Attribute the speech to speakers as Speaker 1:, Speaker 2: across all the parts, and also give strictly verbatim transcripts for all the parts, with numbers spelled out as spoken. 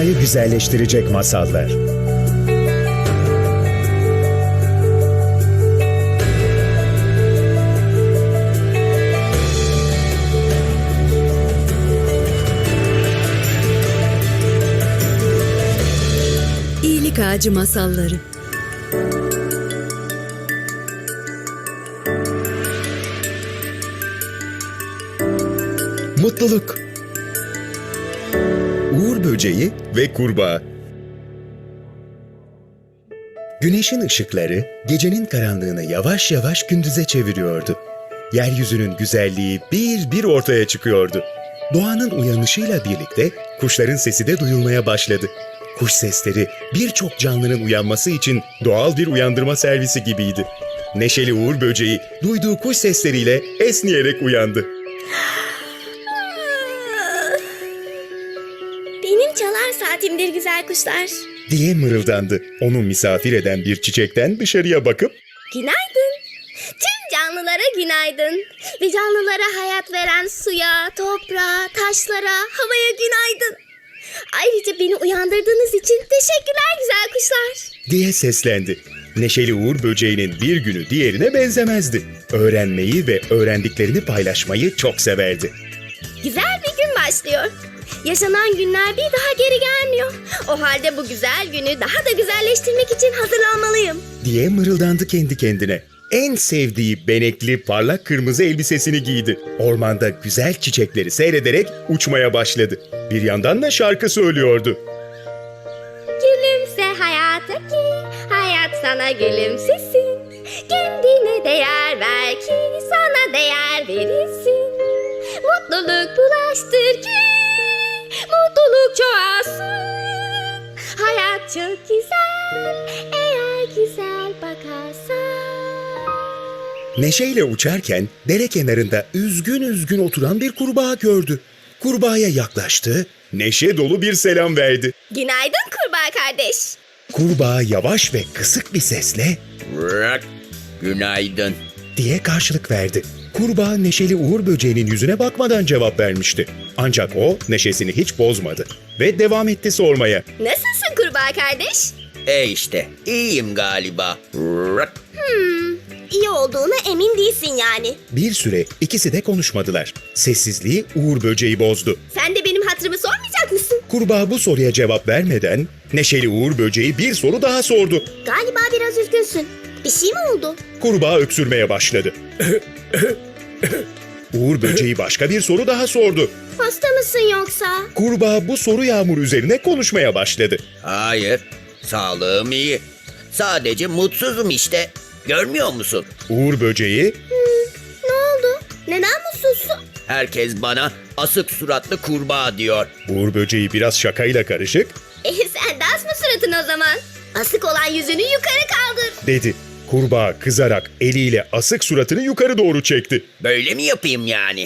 Speaker 1: dünyayı güzelleştirecek masallar.
Speaker 2: İyilik Ağacı Masalları.
Speaker 1: Mutluluk. Uğur böceği ve kurbağa. Güneşin ışıkları gecenin karanlığını yavaş yavaş gündüze çeviriyordu. Yeryüzünün güzelliği bir bir ortaya çıkıyordu. Doğanın uyanışıyla birlikte kuşların sesi de duyulmaya başladı. Kuş sesleri birçok canlının uyanması için doğal bir uyandırma servisi gibiydi. Neşeli Uğur böceği duyduğu kuş sesleriyle esniyerek uyandı.
Speaker 3: Benim çalar saatimdir güzel kuşlar.
Speaker 1: Diye mırıldandı. Onu misafir eden bir çiçekten dışarıya bakıp
Speaker 3: Günaydın. Tüm canlılara günaydın. Ve canlılara hayat veren suya, toprağa, taşlara, havaya günaydın. Ayrıca beni uyandırdığınız için teşekkürler güzel kuşlar.
Speaker 1: diye seslendi. Neşeli Uğur böceğinin bir günü diğerine benzemezdi. Öğrenmeyi ve öğrendiklerini paylaşmayı çok severdi.
Speaker 3: Güzel bir gün başlıyor. Yaşanan günler bir daha geri gelmiyor. O halde bu güzel günü daha da güzelleştirmek için hazırlanmalıyım.
Speaker 1: Diye mırıldandı kendi kendine. En sevdiği benekli parlak kırmızı elbisesini giydi. Ormanda güzel çiçekleri seyrederek uçmaya başladı. Bir yandan da şarkı söylüyordu.
Speaker 3: Gülümse hayata ki hayat sana gülümsesin. Kendine değer ver ki sana değer verilsin. Mutluluk bulaştır ki mutluluk çoğalsın. Hayat çok güzel eğer güzel bakarsan.
Speaker 1: Neşeyle uçarken dere kenarında üzgün üzgün oturan bir kurbağa gördü. Kurbağaya yaklaştı, neşe dolu bir selam verdi.
Speaker 3: Günaydın kurbağa kardeş.
Speaker 1: Kurbağa yavaş ve kısık bir sesle
Speaker 4: Bırak. Günaydın.
Speaker 1: diye karşılık verdi. Kurbağa neşeli Uğur böceğinin yüzüne bakmadan cevap vermişti. Ancak o neşesini hiç bozmadı ve devam etti sormaya.
Speaker 3: Nasılsın kurbağa kardeş?
Speaker 4: E işte iyiyim galiba. Bırak.
Speaker 3: İyi olduğuna emin değilsin yani.
Speaker 1: Bir süre ikisi de konuşmadılar. Sessizliği Uğur böceği bozdu.
Speaker 3: Sen de benim hatırımı sormayacak mısın?
Speaker 1: Kurbağa bu soruya cevap vermeden neşeli Uğur böceği bir soru daha sordu.
Speaker 3: Galiba biraz üzgünsün. Bir şey mi oldu?
Speaker 1: Kurbağa öksürmeye başladı. Uğur böceği başka bir soru daha sordu.
Speaker 3: Hasta mısın yoksa?
Speaker 1: Kurbağa bu soru yağmuru üzerine konuşmaya başladı.
Speaker 4: Hayır. Sağlığım iyi. Sadece mutsuzum işte. Görmüyor musun?
Speaker 1: Uğur böceği
Speaker 3: Ne oldu? Neden mutsuzsun?
Speaker 4: Herkes bana asık suratlı kurbağa diyor.
Speaker 1: Uğur böceği biraz şakayla karışık
Speaker 3: E sen de asma suratın o zaman. Asık olan yüzünü yukarı kaldır.
Speaker 1: dedi. Kurbağa kızarak eliyle asık suratını yukarı doğru çekti.
Speaker 4: Böyle mi yapayım yani?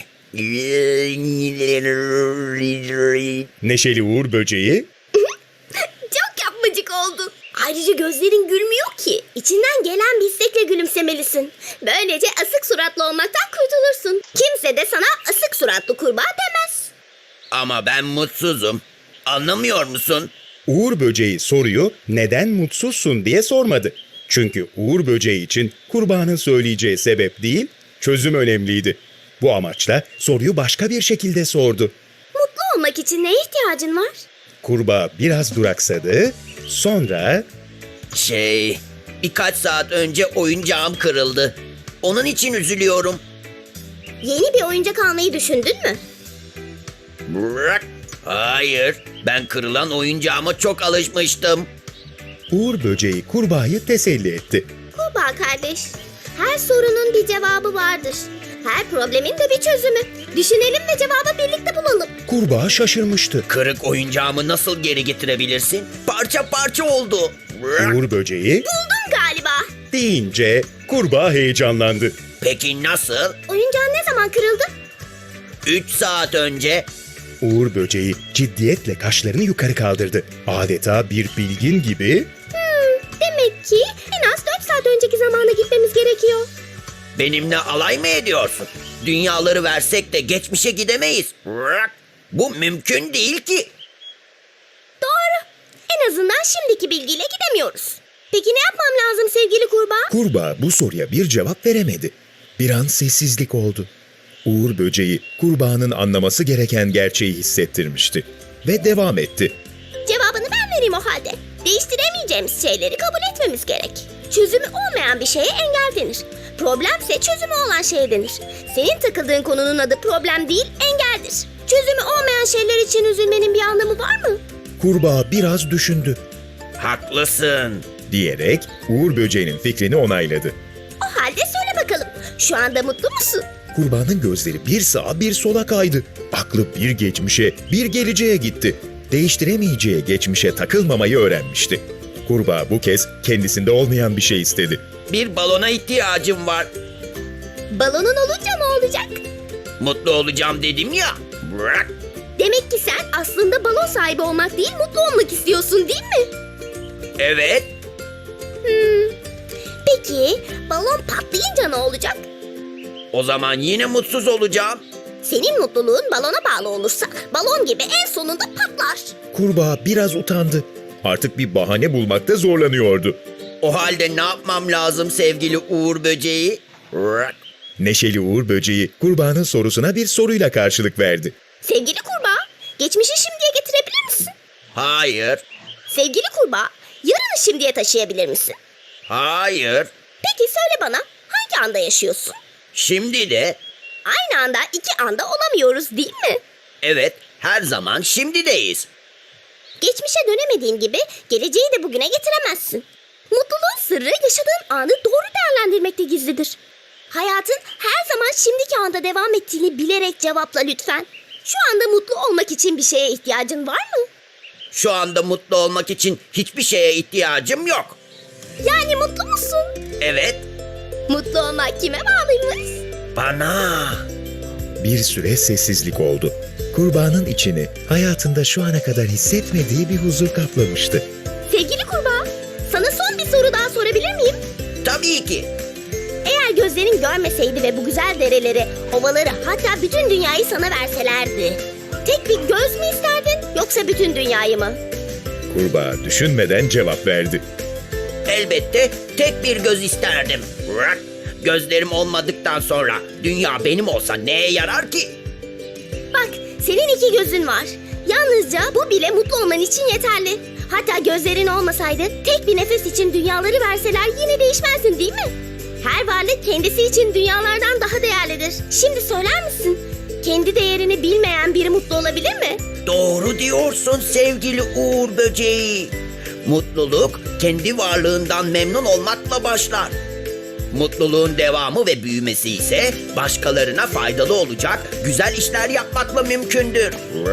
Speaker 1: Neşeli Uğur böceği
Speaker 3: Çok yapmacık oldu. Ayrıca gözlerin gülmüyor ki. İçinden gelen bir istekle gülümsemelisin. Böylece asık suratlı olmaktan kurtulursun. Kimse de sana asık suratlı kurbağa demez.
Speaker 4: Ama ben mutsuzum. Anlamıyor musun?
Speaker 1: Uğur böceği soruyu neden mutsuzsun diye sormadı. Çünkü Uğur böceği için kurbağanın söyleyeceği sebep değil, çözüm önemliydi. Bu amaçla soruyu başka bir şekilde sordu.
Speaker 3: Mutlu olmak için neye ihtiyacın var?
Speaker 1: Kurbağa biraz duraksadı, sonra
Speaker 4: Şey, birkaç saat önce oyuncağım kırıldı. Onun için üzülüyorum.
Speaker 3: Yeni bir oyuncak almayı düşündün mü?
Speaker 4: Bırak. Hayır, ben kırılan oyuncağıma çok alışmıştım.
Speaker 1: Uğur böceği kurbağayı teselli etti.
Speaker 3: Kurbağa kardeş, her sorunun bir cevabı vardır. Her problemin de bir çözümü. Düşünelim ve cevabı birlikte bulalım.
Speaker 1: Kurbağa şaşırmıştı.
Speaker 4: Kırık oyuncağımı nasıl geri getirebilirsin? Parça parça oldu. Bırak.
Speaker 1: Uğur böceği
Speaker 3: Buldum galiba.
Speaker 1: deyince kurbağa heyecanlandı.
Speaker 4: Peki nasıl?
Speaker 3: Oyuncağın ne zaman kırıldı?
Speaker 4: Üç saat önce.
Speaker 1: Uğur böceği ciddiyetle kaşlarını yukarı kaldırdı. Adeta bir bilgin gibi
Speaker 3: Demek ki en az dört saat önceki zamana gitmemiz gerekiyor.
Speaker 4: Benimle alay mı ediyorsun? Dünyaları versek de geçmişe gidemeyiz. Bırak. Bu mümkün değil ki.
Speaker 3: Doğru. En azından şimdiki bilgiyle gidemiyoruz. Peki ne yapmam lazım sevgili kurbağa?
Speaker 1: Kurbağa bu soruya bir cevap veremedi. Bir an sessizlik oldu. Uğur böceği kurbağanın anlaması gereken gerçeği hissettirmişti ve devam etti.
Speaker 3: Cevabını ben vereyim o halde. Değiştiremeyeceğimiz şeyleri kabul etmemiz gerek. Çözümü olmayan bir şeye engel denir. Problemse çözümü olan şey denir. Senin takıldığın konunun adı problem değil, engeldir. Çözümü olmayan şeyler için üzülmenin bir anlamı var mı?
Speaker 1: Kurbağa biraz düşündü
Speaker 4: Haklısın.
Speaker 1: diyerek Uğur böceğinin fikrini onayladı.
Speaker 3: O halde söyle bakalım. Şu anda mutlu musun?
Speaker 1: Kurbağanın gözleri bir sağa bir sola kaydı. Aklı bir geçmişe, bir geleceğe gitti. Değiştiremeyeceği geçmişe takılmamayı öğrenmişti. Kurbağa bu kez kendisinde olmayan bir şey istedi.
Speaker 4: Bir balona ihtiyacım var.
Speaker 3: Balonun olunca ne olacak?
Speaker 4: Mutlu olacağım dedim ya. Bırak.
Speaker 3: Demek ki sen aslında balon sahibi olmak değil, mutlu olmak istiyorsun değil mi?
Speaker 4: Evet.
Speaker 3: Peki balon patlayınca ne olacak?
Speaker 4: O zaman yine mutsuz olacağım.
Speaker 3: Senin mutluluğun balona bağlı olursa balon gibi en sonunda patlar.
Speaker 1: Kurbağa biraz utandı. Artık bir bahane bulmakta zorlanıyordu.
Speaker 4: O halde ne yapmam lazım sevgili Uğur böceği? Bırak.
Speaker 1: Neşeli Uğur böceği kurbağanın sorusuna bir soruyla karşılık verdi.
Speaker 3: Sevgili kurbağa, geçmişi şimdiye getirebilir misin?
Speaker 4: Hayır.
Speaker 3: Sevgili kurbağa, yarını şimdiye taşıyabilir misin?
Speaker 4: Hayır.
Speaker 3: Peki söyle bana, hangi anda yaşıyorsun?
Speaker 4: Şimdi de
Speaker 3: Aynı anda iki anda olamıyoruz değil mi?
Speaker 4: evet, her zaman şimdideyiz.
Speaker 3: Geçmişe dönemediğin gibi geleceği de bugüne getiremezsin. Mutluluğun sırrı yaşadığın anı doğru değerlendirmekte gizlidir. Hayatın her zaman şimdiki anda devam ettiğini bilerek cevapla lütfen. Şu anda mutlu olmak için bir şeye ihtiyacın var mı?
Speaker 4: Şu anda mutlu olmak için hiçbir şeye ihtiyacım yok.
Speaker 3: Yani mutlu musun?
Speaker 4: Evet,
Speaker 3: Mutlu olmak kime bağlıymış?
Speaker 4: bana.
Speaker 1: Bir süre sessizlik oldu. Kurbağanın içini hayatında şu ana kadar hissetmediği bir huzur kaplamıştı.
Speaker 3: Sevgili kurbağa, sana son bir soru daha sorabilir miyim?
Speaker 4: Tabii ki.
Speaker 3: Eğer gözlerin görmeseydi ve bu güzel dereleri, ovaları, hatta bütün dünyayı sana verselerdi, tek bir göz mü isterdin yoksa bütün dünyayı mı?
Speaker 1: Kurbağa düşünmeden cevap verdi.
Speaker 4: Elbette tek bir göz isterdim. Bırak. Gözlerim olmadıktan sonra dünya benim olsa neye yarar ki?
Speaker 3: Bak, senin iki gözün var. Yalnızca bu bile mutlu olman için yeterli. Hatta gözlerin olmasaydı tek bir nefes için dünyaları verseler yine değişmezdin değil mi? Her varlık kendisi için dünyalardan daha değerlidir. Şimdi söyler misin? Kendi değerini bilmeyen biri mutlu olabilir mi?
Speaker 4: Doğru diyorsun sevgili Uğur böceği. Mutluluk kendi varlığından memnun olmakla başlar. Mutluluğun devamı ve büyümesi ise başkalarına faydalı olacak güzel işler yapmakla mümkündür.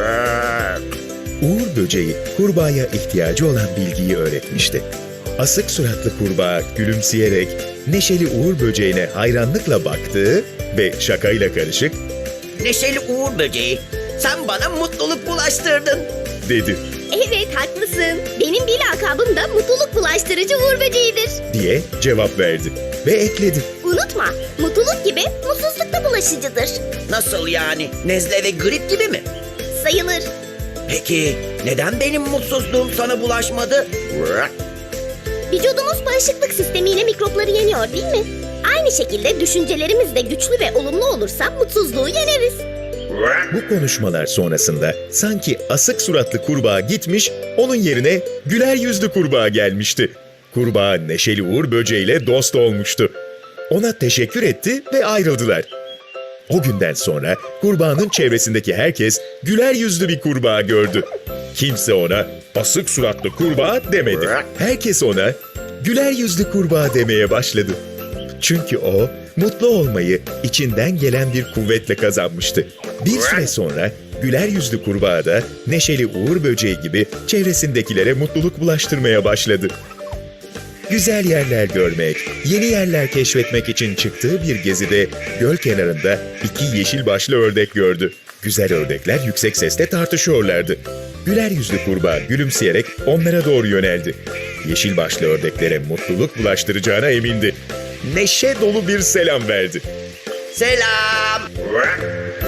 Speaker 1: Uğur böceği kurbağaya ihtiyacı olan bilgiyi öğretmişti. Asık suratlı kurbağa gülümseyerek neşeli Uğur böceğine hayranlıkla baktı ve şakayla karışık
Speaker 4: Neşeli Uğur böceği, sen bana mutluluk bulaştırdın.
Speaker 1: dedi
Speaker 3: Evet, haklısın. Benim bir lakabım da mutluluk bulaştırıcı Uğur böceğidir.
Speaker 1: diye cevap verdi ve ekledi.
Speaker 3: Unutma, mutluluk gibi mutsuzluk da bulaşıcıdır.
Speaker 4: Nasıl yani? Nezle ve grip gibi mi?
Speaker 3: Sayılır.
Speaker 4: Peki neden benim mutsuzluğum sana bulaşmadı?
Speaker 3: Vücudumuz bağışıklık sistemiyle mikropları yeniyor değil mi? Aynı şekilde düşüncelerimiz de güçlü ve olumlu olursa mutsuzluğu yeneriz.
Speaker 1: Bu konuşmalar sonrasında sanki asık suratlı kurbağa gitmiş, onun yerine güler yüzlü kurbağa gelmişti. Kurbağa neşeli Uğur böceğiyle dost olmuştu. Ona teşekkür etti ve ayrıldılar. O günden sonra kurbağanın çevresindeki herkes güler yüzlü bir kurbağa gördü. Kimse ona asık suratlı kurbağa demedi. Herkes ona güler yüzlü kurbağa demeye başladı. Çünkü o mutlu olmayı içinden gelen bir kuvvetle kazanmıştı. Bir süre sonra güler yüzlü kurbağa da neşeli Uğur böceği gibi çevresindekilere mutluluk bulaştırmaya başladı. Güzel yerler görmek, yeni yerler keşfetmek için çıktığı bir gezide göl kenarında iki yeşil başlı ördek gördü. Güzel ördekler yüksek sesle tartışıyorlardı. Güler yüzlü kurbağa gülümseyerek onlara doğru yöneldi. Yeşil başlı ördeklere mutluluk bulaştıracağına emindi. Neşe dolu bir selam verdi.
Speaker 4: Selam.